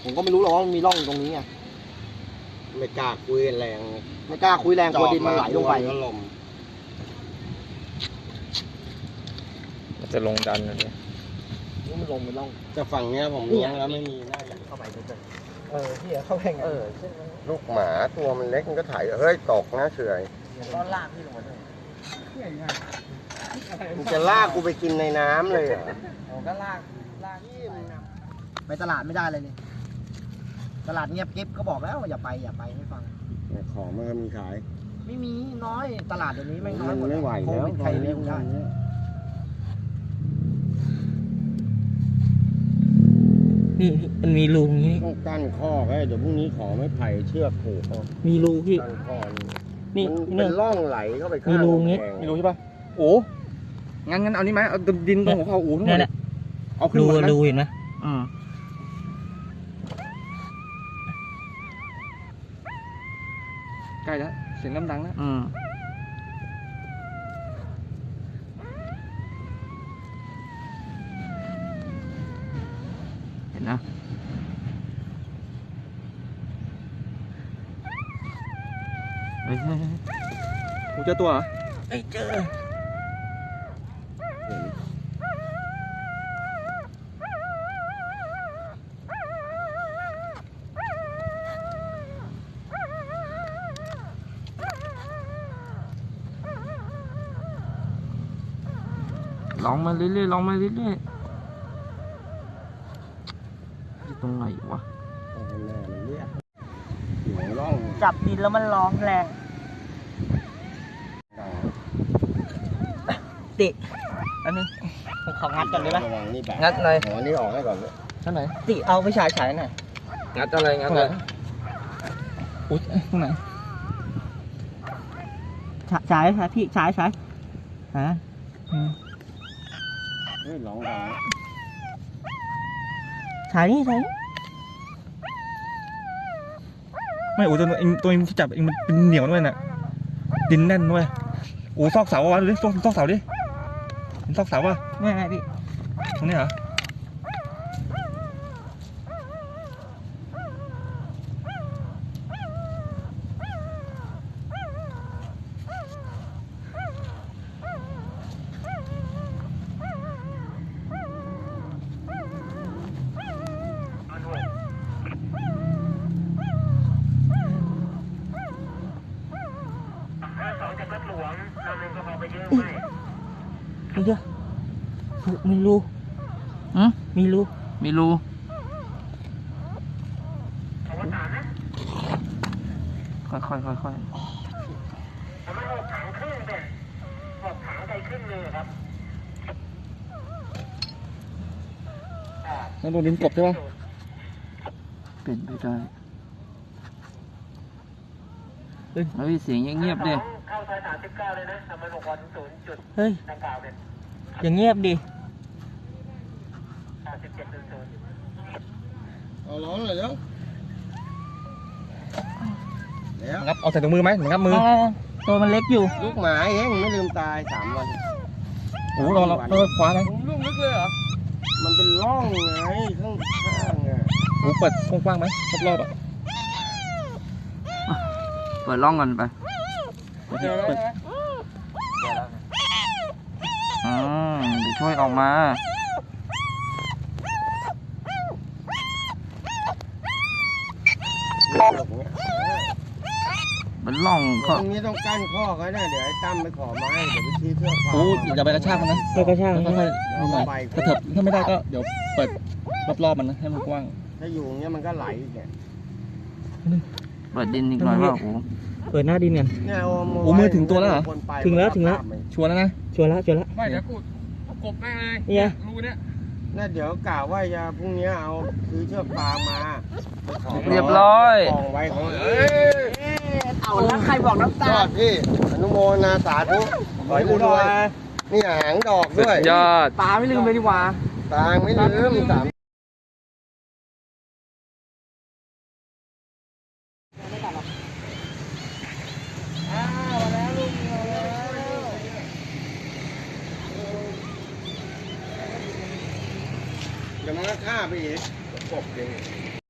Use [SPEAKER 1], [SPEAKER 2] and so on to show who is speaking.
[SPEAKER 1] ผมก็ไม่รู้หรอกว่ามันมีร่องตรงนี้ไง
[SPEAKER 2] ไม่กล้าคุยแรง
[SPEAKER 1] ไม่กล้าคุยแรงกลัวดินมันไหลลงไป
[SPEAKER 3] มันจะลงดันเลย
[SPEAKER 1] มันลงไปร่อง
[SPEAKER 2] จะฝั่งเนี้ยผมเลี้ยงแล้วไม่มีน่าจะ
[SPEAKER 1] เข้าไปเฉยที่เข้าแข่ง
[SPEAKER 2] ลูกหมาตัวมันเล็กมันก็ถ่ายเฮ้ยตกนะเฉย
[SPEAKER 1] ก็ลากพี่ลงมาด้วย
[SPEAKER 2] มึงจะลากกูไปกินในน้ำเลยเหรอ
[SPEAKER 1] ผมก็ลากไปตลาดไม่ได้เลยนี่ตลาดเงียบกิ๊บก็บอกแล้วอย่าไปไม่ฟัง
[SPEAKER 2] ของมันก็มีขาย
[SPEAKER 1] ไม่มีน้อยตลาดเดี๋ยวนี้ไม่น้อยหมด
[SPEAKER 2] ไม่ไหวแล้ว
[SPEAKER 1] ใครเลี้ยงได้
[SPEAKER 3] นี่มันมีรูนี้
[SPEAKER 2] ต้องกั้นข้อไว้เดี๋ยวพรุ่งนี้ขอไม่ไผ่เชือกผูก
[SPEAKER 3] มีรูพี่
[SPEAKER 2] กั้นข้อ
[SPEAKER 3] นี่
[SPEAKER 2] เป็นร่องไหลเข้าไปข้าง
[SPEAKER 3] มีรูนี้
[SPEAKER 4] มีรูใช่ป่ะโอ้งั้นเอานี้ไหมเอาดินตรงหัวเขาอู๋ทั้งหมดเอาขึ้นหมดนะ
[SPEAKER 3] รูเห็นไหม
[SPEAKER 4] ใกล้แล้วเสียงดังแล้ว
[SPEAKER 3] เห็นนะ
[SPEAKER 4] กูเจอตัวเหรอ
[SPEAKER 3] ไม่เจอลองมาเรื่อยๆลองมาเรื่อยๆอยู่ตรงไหนวะจับดินแล้วมันร้องแรงติอันนึงผมของัดก่อนได้ไหมงัดหน่อย
[SPEAKER 2] อันนี้ออกให้ก่อน
[SPEAKER 3] ท่านไหน
[SPEAKER 1] ติเอาไปฉายหน่อย
[SPEAKER 3] งัดอะไรงัดอะไรอุ๊ยตรงไหนฉายพี่ฉายฮะ
[SPEAKER 2] ร้องดัง
[SPEAKER 3] ฉายนี่
[SPEAKER 4] ไม่โอ้ตัวเองจับเองมันเป็นเหนียวด้วยน่ะดินแน่นด้วยโอ้ซอกเสาวะดูดิซอกเสาดิมันซอกเสาวะ
[SPEAKER 3] ไม่พี่
[SPEAKER 4] ตรงนี้เหรอ
[SPEAKER 3] เดี๋ยวมีรูมีรูค่อย
[SPEAKER 2] มัน6 ถังครึ่งเป็น6 ถังใจครึ่งเลยครับ
[SPEAKER 4] นั่นโดนดินกบใช่ป่ะ
[SPEAKER 3] เป็นไปได้เฮ้ยเสียงเงียบเลย
[SPEAKER 2] เข้าซอย39เลยนะทำมัน6 วัน0 จุด
[SPEAKER 3] เฮ้ย
[SPEAKER 2] ดังกล่าวเป็น
[SPEAKER 3] อย่างเงียบดิ
[SPEAKER 2] เอาร้อนเลยเดี๋ยว
[SPEAKER 4] งับเอาใส่ถุงมือไหมงับมือ
[SPEAKER 3] ตัวมันเล็กอยู่
[SPEAKER 2] ลูกหมาเองไม่ลืมตาย3 วัน
[SPEAKER 4] โอ้เราคว้าเลยลูกลึกเลยเหรอ
[SPEAKER 2] มันเป็นร่องไงข้างไง
[SPEAKER 4] โอ้เปิดกว้างไหมรอบ
[SPEAKER 3] เปิดร่องกันไปเดี๋ยวช่วยออกมามันล่อง
[SPEAKER 2] ก็ตรงนี้ต้องกั้นข้อเขาเนี่ยเดี๋ยวไอ้ตั้มไปขอไม้เดี๋ยวไปชี้เชือก
[SPEAKER 4] โอ้อย่าไปกระชากมันนะ
[SPEAKER 3] ไม่กระชาก
[SPEAKER 4] ค่อยๆเอาหน่อยกระเถิบถ้าไม่ได้ก็เดี๋ยวเปิดรอบๆมันนะให้มันกว้าง
[SPEAKER 2] ถ้าอยู่อย่างเงี้ยมันก็ไหลเนี่ย
[SPEAKER 3] เปิดดินอีกหน่อยว่าโอ้เปิดหน้าดินกัน
[SPEAKER 4] โอ้มือถึงตัวแล้วเหรอ
[SPEAKER 3] ถึงแล้ว
[SPEAKER 4] ชัวร์แล้วนะ
[SPEAKER 3] ชัวร์แล้ว
[SPEAKER 4] ไม่เดี๋ยวกูกบแม่เลย
[SPEAKER 3] เนี่ย
[SPEAKER 4] รูเนี้ย
[SPEAKER 2] น่าเดี๋ยวกล่าวว่าจะพรุ่งนี้เอาซื้อเชือกฟางมา
[SPEAKER 3] เรียบร้อย
[SPEAKER 2] กองไว้ของ
[SPEAKER 1] เอาแล้วใครบอกน้ำตา
[SPEAKER 2] พี่อนุโมทนาสาธุขอให้รวยนี่หางดอกด้วย
[SPEAKER 3] ยอด
[SPEAKER 1] ตาไม่ลืมเลยดีกว่า
[SPEAKER 2] ตาไม่ลืม3เดี๋ยวมันก็ฆ่าไปอีกกบเอง